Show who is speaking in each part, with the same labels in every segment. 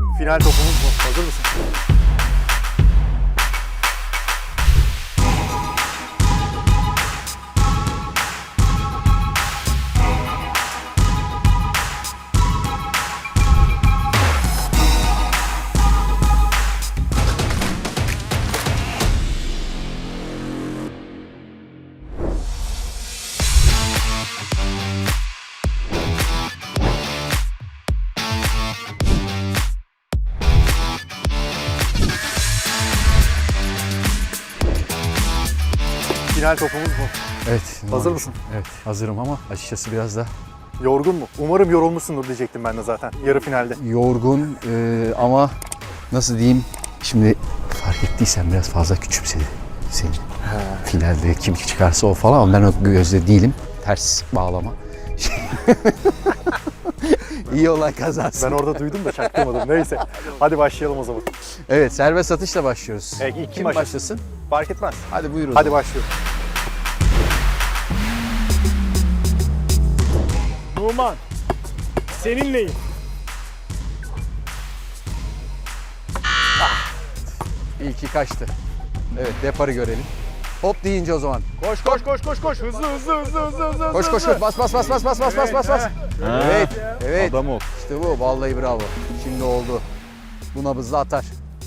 Speaker 1: Final topumuz bu. Hazır mısın? Final topumuz bu.
Speaker 2: Evet.
Speaker 1: Hazır mısın?
Speaker 2: Evet, hazırım ama açıkçası biraz da
Speaker 1: Yorgun mu? Umarım yorulmuşsundur diyecektim ben de zaten yarı finalde.
Speaker 2: yorgun ama nasıl diyeyim, şimdi fark ettiysen biraz fazla küçümsedi seni. Finalde kim çıkarsa o falan ama ben o gözde değilim. Ters bağlama. İyi olay kazansın.
Speaker 1: Ben orada duydum da çaktırmadım. Neyse. Hadi başlayalım o zaman.
Speaker 2: Evet, serbest atışla başlıyoruz.
Speaker 1: Evet, ilk kim
Speaker 2: kim
Speaker 1: başlasın?
Speaker 2: başlasın?
Speaker 1: Fark etmez.
Speaker 2: Hadi buyurun.
Speaker 1: Hadi başlıyorum.
Speaker 3: Numan, seninleyim.
Speaker 2: İlki kaçtı. Evet, deparı görelim. Hop deyince o zaman.
Speaker 3: Koş koş koş koş koş. Hızlı hızlı hızlı hızlı hızlı.
Speaker 2: Koş koş koş. Bas bas bas bas bas bas bas bas bas. Evet. Evet.
Speaker 4: Adam ol.
Speaker 2: İşte bu. Vallahi bravo. Şimdi oldu. Bu nabızla atar.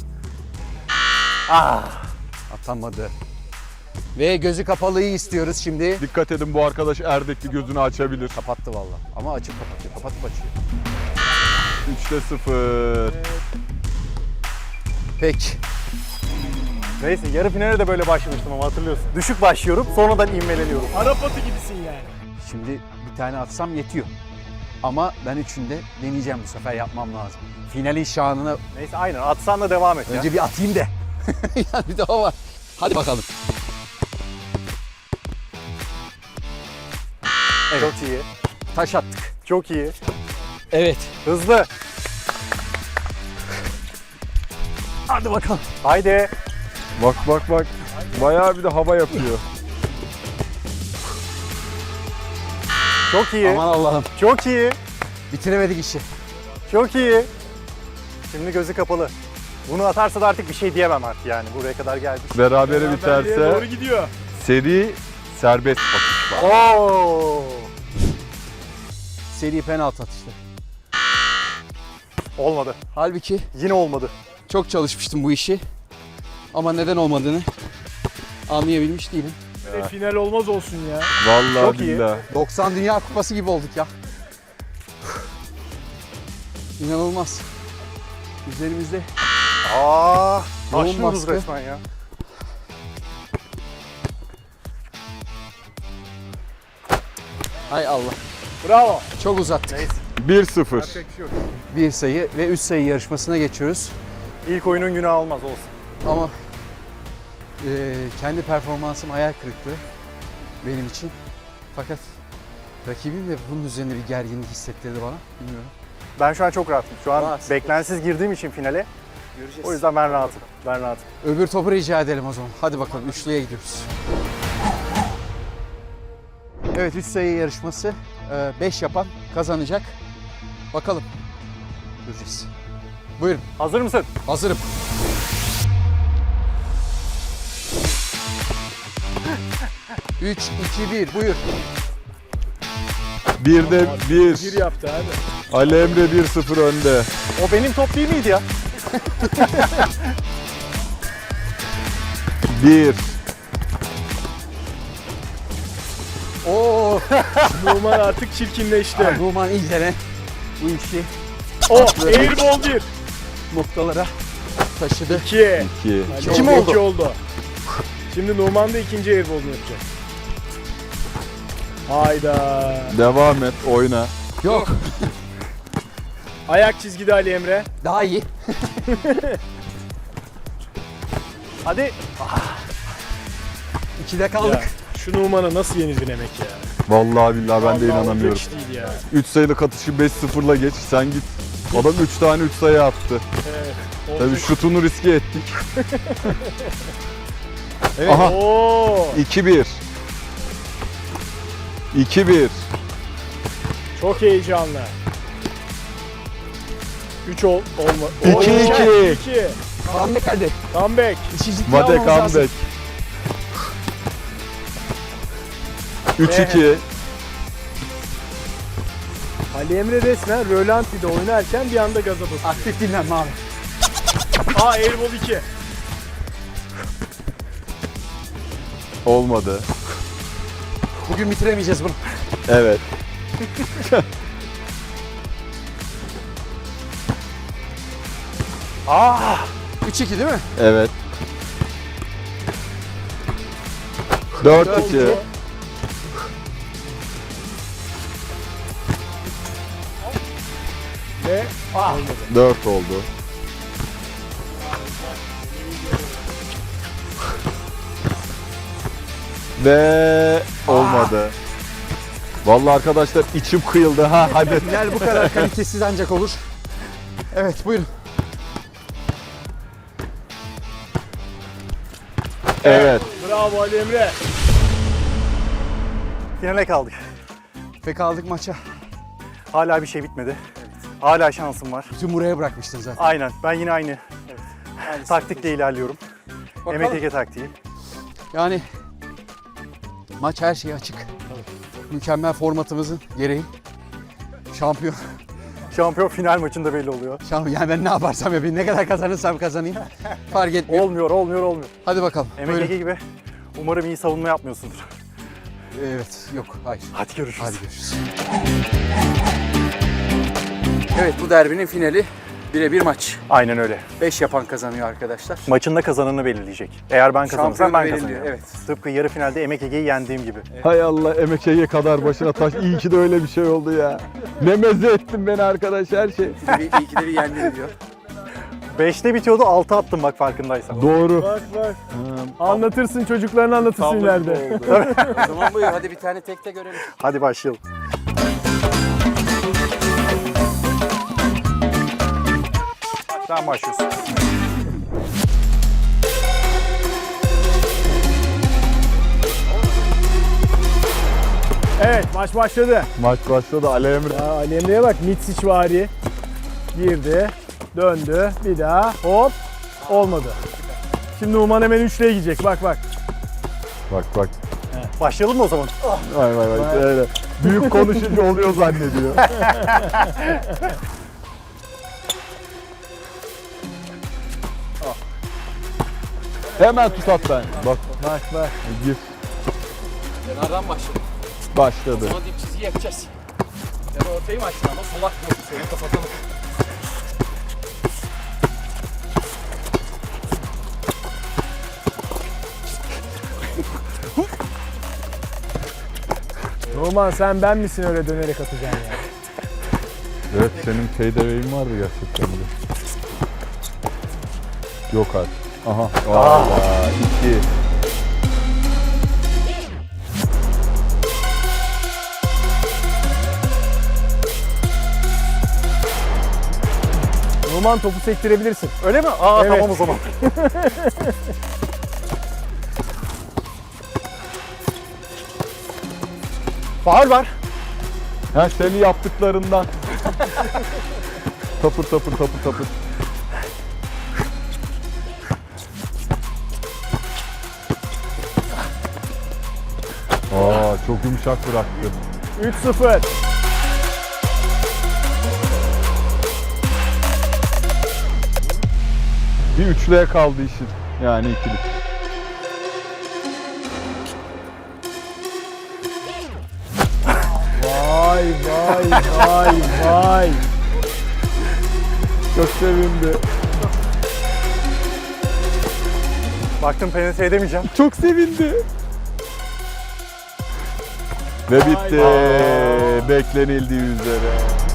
Speaker 2: Atamadı. Ve gözü kapalıyı istiyoruz şimdi.
Speaker 4: Dikkat edin, bu arkadaş Erdekli gözünü açabilir.
Speaker 2: Kapattı vallahi. Ama açıp kapatıyor. Kapatıp açıyor.
Speaker 4: 3'te 0.
Speaker 2: Peki.
Speaker 1: Neyse yarı finale de böyle başlamıştım ama hatırlıyorsun. Düşük başlıyorum sonradan ivmeleniyorum.
Speaker 3: Arap atı gibisin yani.
Speaker 2: Şimdi bir tane atsam yetiyor. Ama ben üçünde deneyeceğim, bu sefer yapmam lazım. Finalin şanına
Speaker 1: Neyse aynen atsan da devam et ya.
Speaker 2: önce bir atayım da. Yani bir daha var. Hadi bakalım. Evet.
Speaker 1: Çok iyi.
Speaker 2: Taş attık.
Speaker 1: Çok iyi.
Speaker 2: Evet.
Speaker 1: Hızlı.
Speaker 2: Hadi bakalım.
Speaker 1: Haydi.
Speaker 4: Bak bak bak. Bayağı bir de hava yapıyor.
Speaker 1: Çok iyi.
Speaker 2: Aman Allah'ım.
Speaker 1: Çok iyi.
Speaker 2: Bitiremedik işi.
Speaker 1: Çok iyi. Şimdi gözü kapalı. Bunu atarsa da artık bir şey diyemem artık yani. Buraya kadar gelmiş.
Speaker 4: Berabere
Speaker 3: Beraberliğe doğru
Speaker 4: biterse
Speaker 3: gidiyor.
Speaker 4: seri serbest atış var.
Speaker 1: Oo.
Speaker 2: Seri penaltı atıştı.
Speaker 1: Olmadı.
Speaker 2: Halbuki
Speaker 1: Yine olmadı.
Speaker 2: çok çalışmıştım bu işi. Ama neden olmadığını anlayabilmiş değilim.
Speaker 3: Final olmaz olsun ya.
Speaker 4: Vallahi
Speaker 1: Çok iyi.
Speaker 4: billahi.
Speaker 2: 90 Dünya Kupası gibi olduk ya. İnanılmaz. Üzerimizde
Speaker 1: Aa,
Speaker 2: Yoğun
Speaker 1: taşlıyoruz
Speaker 2: baskı.
Speaker 1: resmen ya.
Speaker 2: hay Allah.
Speaker 3: Bravo.
Speaker 2: Çok uzattık.
Speaker 1: Neyse.
Speaker 4: 1-0.
Speaker 3: Yapacak bir şey yok.
Speaker 2: Bir sayı ve 3 sayı yarışmasına geçiyoruz.
Speaker 1: İlk oyunun günahı olmaz olsun.
Speaker 2: Ama kendi performansım hayal kırıklığı benim için. Fakat rakibim de bunun üzerine bir gerginlik hissettirdi bana. Bilmiyorum.
Speaker 1: Ben şu an çok rahatım. Şu an
Speaker 2: Rahat.
Speaker 1: beklensiz girdiğim için finale.
Speaker 2: Göreceğiz.
Speaker 1: O yüzden ben rahatım. Ben rahatım.
Speaker 2: Öbür topu rica edelim o zaman. Hadi bakalım, üçlüye gidiyoruz. Evet, 3 sayı yarışması. 5 yapan kazanacak. Bakalım. Göreceğiz. Buyurun.
Speaker 1: Hazır mısın?
Speaker 2: Hazırım. Üç, iki, bir. Buyur.
Speaker 4: 1'de
Speaker 3: Bir
Speaker 4: 1.
Speaker 3: yaptı abi.
Speaker 4: Ali Emre 1-0 önde.
Speaker 1: O benim top değil miydi ya?
Speaker 4: 1.
Speaker 2: Oo.
Speaker 3: Numan artık çirkinleşti.
Speaker 2: Numan İlter'e bu işi
Speaker 3: Airball 1.
Speaker 2: noktalara taşıdı.
Speaker 3: 2.
Speaker 4: 2.
Speaker 2: Kim oldu?
Speaker 3: 2 oldu. Şimdi Numan da ikinci airball'unu yapacak. Hayda.
Speaker 4: Devam et, oyna.
Speaker 2: Yok.
Speaker 3: Ayak çizgide Ali Emre.
Speaker 2: Daha iyi.
Speaker 1: Hadi.
Speaker 2: 2'de kaldık.
Speaker 3: Ya, şu Numan'a nasıl yenildin emek ya?
Speaker 4: Vallahi billahi ben de
Speaker 3: Vallahi
Speaker 4: inanamıyorum.
Speaker 3: olacak iş değil ya.
Speaker 4: 3 sayılık atışı 5-0'la geç. Sen git. Adam 3 tane 3 sayı attı.
Speaker 3: Evet.
Speaker 4: Tabii
Speaker 3: olacak.
Speaker 4: şutunu riske ettik.
Speaker 2: Evet.
Speaker 4: Aha.
Speaker 3: Oo.
Speaker 4: 2-1. 2-1.
Speaker 3: Çok heyecanlı. 3 olma.
Speaker 4: 2-2.
Speaker 3: 2.
Speaker 2: Comeback hadi.
Speaker 3: Comeback.
Speaker 2: İşi ciddiye
Speaker 4: Mate
Speaker 2: almamız lazım.
Speaker 4: comeback. 3-2.
Speaker 3: Ali Emre resmen rölanti'de oynarken bir anda gaza basıyor.
Speaker 2: Aktif dinlenme abi.
Speaker 3: Airball 2.
Speaker 4: Olmadı.
Speaker 2: Bugün bitiremeyeceğiz bunu.
Speaker 4: Evet.
Speaker 1: Ah!
Speaker 2: 3-2 değil mi?
Speaker 4: Evet. 4-2.
Speaker 3: Ve
Speaker 4: 4 oldu. Ve olmadı. Vallahi arkadaşlar içim kıyıldı ha hadi.
Speaker 2: Final bu kadar kalitesiz ancak olur. Evet buyurun.
Speaker 4: Evet.
Speaker 3: bravo Ali Emre.
Speaker 1: Finale kaldık.
Speaker 2: Ve kaldık maça.
Speaker 1: Hala bir şey bitmedi. Hala şansım var.
Speaker 2: Bütün buraya bırakmıştın zaten.
Speaker 1: Aynen. Ben yine aynı taktikle ilerliyorum.
Speaker 2: Bakalım.
Speaker 1: MTG taktiği.
Speaker 2: Yani maç her şeye açık. Mükemmel formatımızın gereği. Şampiyon.
Speaker 1: Şampiyon final maçında belli oluyor.
Speaker 2: Yani ben ne yaparsam yapayım, ne kadar kazanırsam kazanayım. Fark etmiyor.
Speaker 1: Olmuyor.
Speaker 2: Hadi bakalım.
Speaker 1: MTG
Speaker 2: Buyurun.
Speaker 1: gibi. Umarım iyi savunma yapmıyorsundur.
Speaker 2: Evet, yok, hayır.
Speaker 1: Hadi görüşürüz.
Speaker 2: Hadi görüşürüz. Evet, bu derbinin finali birebir maç.
Speaker 1: Aynen öyle.
Speaker 2: 5 yapan kazanıyor arkadaşlar.
Speaker 1: Maçında kazananı belirleyecek. Eğer ben kazanırsam
Speaker 2: Şampiyonu
Speaker 1: ben
Speaker 2: belirliyor,
Speaker 1: kazanıyorum.
Speaker 2: evet.
Speaker 1: Tıpkı yarı finalde MTG'yi yendiğim gibi.
Speaker 4: Hay Allah emekeyi kadar başına taş. İyi ki de öyle bir şey oldu ya. Ne meze ettin beni arkadaş her şey.
Speaker 2: İyi ki de bir yendi diyor.
Speaker 1: 5'te bitiyordu, 6 attım bak farkındaysan.
Speaker 4: Doğru.
Speaker 3: Bak bak. Anlatırsın, çocuklarına anlatırsın ileride.
Speaker 2: O zaman buyur, hadi bir tane tekte görelim.
Speaker 1: Hadi başlayalım. Sen başlıyorsun.
Speaker 3: Evet, maç başladı.
Speaker 4: Maç başladı Ali Emre.
Speaker 3: Ya Ali Emre'ye bak, Mitsic vari. Girdi, döndü, bir daha, hop, olmadı. Şimdi Numan hemen üçlüye gidecek, bak bak.
Speaker 4: Bak.
Speaker 1: Başlayalım mı o zaman?
Speaker 4: Vay. Öyle. Büyük konuşunca oluyor zannediyor. Hemen tut at ben. Bak
Speaker 3: Bak.
Speaker 4: gir.
Speaker 2: Kenardan başladı.
Speaker 4: Başladı.
Speaker 2: Sonra dip çizgi yapacağız. Sen ortayı mı açtın ama solak yok. Seni kapatalım.
Speaker 3: Numan sen ben misin öyle dönerek atacaksın ya?
Speaker 4: Evet senin peydeveyin vardı gerçekten de. Yok artık. Aha. Valla 2.
Speaker 3: Numan topu sektirebilirsin.
Speaker 1: Öyle mi? Aa
Speaker 3: Evet.
Speaker 1: tamam o zaman. Faul var.
Speaker 4: Ha seni yaptıklarından. Tapır. Aa çok yumuşak bıraktı.
Speaker 3: 3-0.
Speaker 4: Bir üçlüye kaldı işin. Yani ikili.
Speaker 3: Vay.
Speaker 4: Çok sevindi.
Speaker 1: Baktım penetre edemeyeceğim.
Speaker 4: Çok sevindi. Ve bitti. Beklenildiği üzere.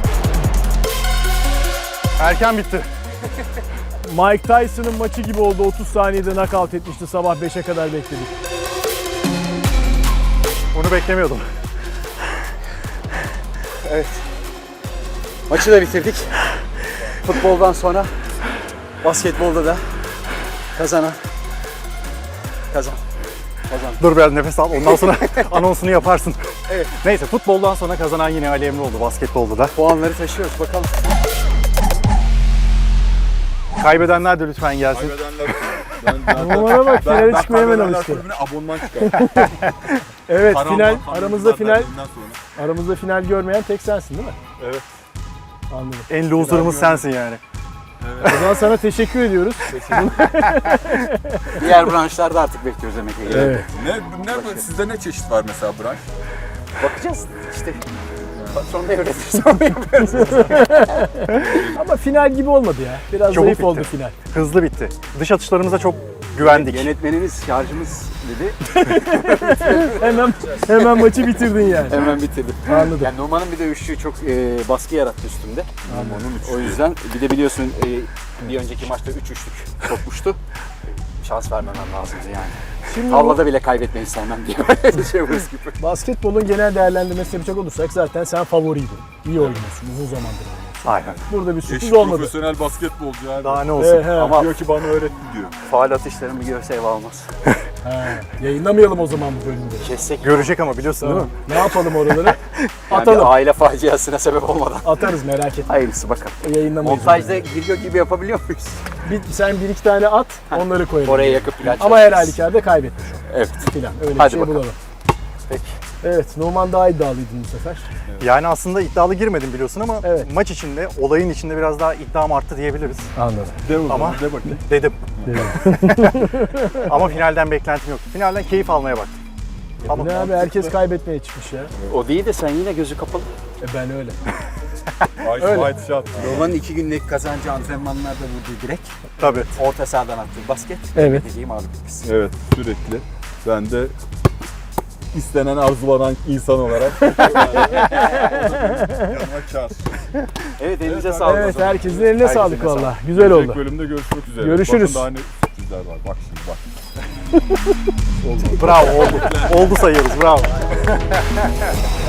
Speaker 1: Erken bitti.
Speaker 3: Mike Tyson'ın maçı gibi oldu. 30 saniyede knockout etmişti. Sabah 5'e kadar bekledik.
Speaker 1: Bunu beklemiyordum.
Speaker 2: Evet. Maçı da bitirdik. Futboldan sonra basketbolda da kazan.
Speaker 1: Dur biraz nefes al. Ondan sonra anonsunu yaparsın.
Speaker 2: Evet.
Speaker 1: Neyse futboldan sonra kazanan yine Ali Emre oldu. Basketbolda da.
Speaker 2: Puanları taşıyoruz bakalım.
Speaker 1: Kaybedenler de lütfen gelsin.
Speaker 3: Numan'a bak, finale çıkmaya hemen alıştı.
Speaker 4: Abonman çıkar.
Speaker 3: Evet,
Speaker 4: Param
Speaker 3: final
Speaker 4: var, param
Speaker 3: aramızda
Speaker 4: var
Speaker 3: final
Speaker 4: verdiğinden sonra.
Speaker 3: aramızda final görmeyen tek sensin değil mi?
Speaker 4: Evet.
Speaker 3: Anladım.
Speaker 1: En loser'ımız sensin yani.
Speaker 3: O zaman sana teşekkür ediyoruz.
Speaker 2: Diğer branşlarda artık bekliyoruz demek ki.
Speaker 3: Evet.
Speaker 4: Sizde ne çeşit var mesela branş?
Speaker 2: Bakacağız işte. Patron devretirse onu yapıyoruz.
Speaker 3: Ama final gibi olmadı ya. Biraz
Speaker 1: Çabuk
Speaker 3: zayıf
Speaker 1: bitti.
Speaker 3: oldu final.
Speaker 1: Hızlı bitti. Dış atışlarımıza çok güvendik.
Speaker 2: Yönetmenimiz şarjımız dedi.
Speaker 3: Hemen maçı bitirdin yani.
Speaker 2: Hemen bitirdim.
Speaker 3: Anladım.
Speaker 2: Yani Numan'ın bir de üçlüğü çok baskı yarattı üstümde. O yüzden bir de biliyorsun bir önceki maçta 3 üçlük sokmuştu. Şans vermemem lazımdı yani.
Speaker 3: Şimdi bu
Speaker 2: Tavlada bile kaybetmeyi sevmem diye böyle şey gibi.
Speaker 3: basketbolun genel değerlendirmesine yapacak olursak zaten sen favoriydin. İyi oynuyorsun, uzun zamandır oynuyorsun.
Speaker 1: Aynen.
Speaker 3: Burada bir sürpriz olmadı.
Speaker 4: Profesyonel basketbolcu abi.
Speaker 1: Daha ne olsun.
Speaker 2: Ama
Speaker 4: Diyor ki bana öğretti diyor.
Speaker 2: faal atışlarımı görse ev almaz.
Speaker 3: Yayınlamayalım o zaman bu bölümleri.
Speaker 2: Kessek
Speaker 1: Görecek ama biliyorsun değil mi?
Speaker 3: Ne yapalım oraları?
Speaker 2: yani
Speaker 3: Atalım.
Speaker 2: bir aile faciasına sebep olmadan.
Speaker 3: Atarız, merak etme.
Speaker 2: Hayırlısı bakalım.
Speaker 3: Yayınlamayız.
Speaker 2: Montajda video gibi yapabiliyor muyuz?
Speaker 3: Sen bir iki tane at, onları koyalım.
Speaker 2: Oraya yakıp plan
Speaker 3: Ama her
Speaker 2: çalışırız.
Speaker 3: halükarda kaybetmiş o
Speaker 2: Evet.
Speaker 3: filan. Öyle
Speaker 2: Hadi
Speaker 3: bir şey
Speaker 2: bakalım.
Speaker 3: bulalım.
Speaker 2: Peki.
Speaker 3: Evet, Numan daha iddialıydın bu sefer.
Speaker 1: Yani aslında iddialı girmedim biliyorsun ama
Speaker 3: Evet.
Speaker 1: maç içinde, olayın içinde biraz daha iddiam arttı diyebiliriz.
Speaker 3: Anladım.
Speaker 4: De o
Speaker 1: Ama-
Speaker 4: zaman, de bakayım.
Speaker 1: Dedim. Ama finalden beklentim yok. Finalden keyif almaya baktım.
Speaker 3: Bu ne abi, herkes kaybetmeye çıkmış ya.
Speaker 2: O değil de sen yine gözü kapalı.
Speaker 3: Ben öyle.
Speaker 4: Ice White shot.
Speaker 2: Roman'ın 2 günlük kazancı antrenmanlarda vurduğu direkt.
Speaker 1: Tabii.
Speaker 2: Orta sahadan attığı basket.
Speaker 3: Evet.
Speaker 2: Dediğim abi biz.
Speaker 4: Evet sürekli. Ben de istenen arzulanan insan olarak yanıma kar.
Speaker 2: Evet elinize sağlık.
Speaker 3: Evet,
Speaker 2: o zaman.
Speaker 3: herkesin eline
Speaker 2: Herkesin
Speaker 3: sağlık
Speaker 2: eline
Speaker 3: valla. Güzel
Speaker 4: Gelecek
Speaker 3: oldu.
Speaker 4: bölümde görüşmek üzere.
Speaker 3: Görüşürüz.
Speaker 4: Bakın daha ne sürprizler var. Bak şimdi bak.
Speaker 1: Bravo oldu. Oldu sayıyoruz. Bravo.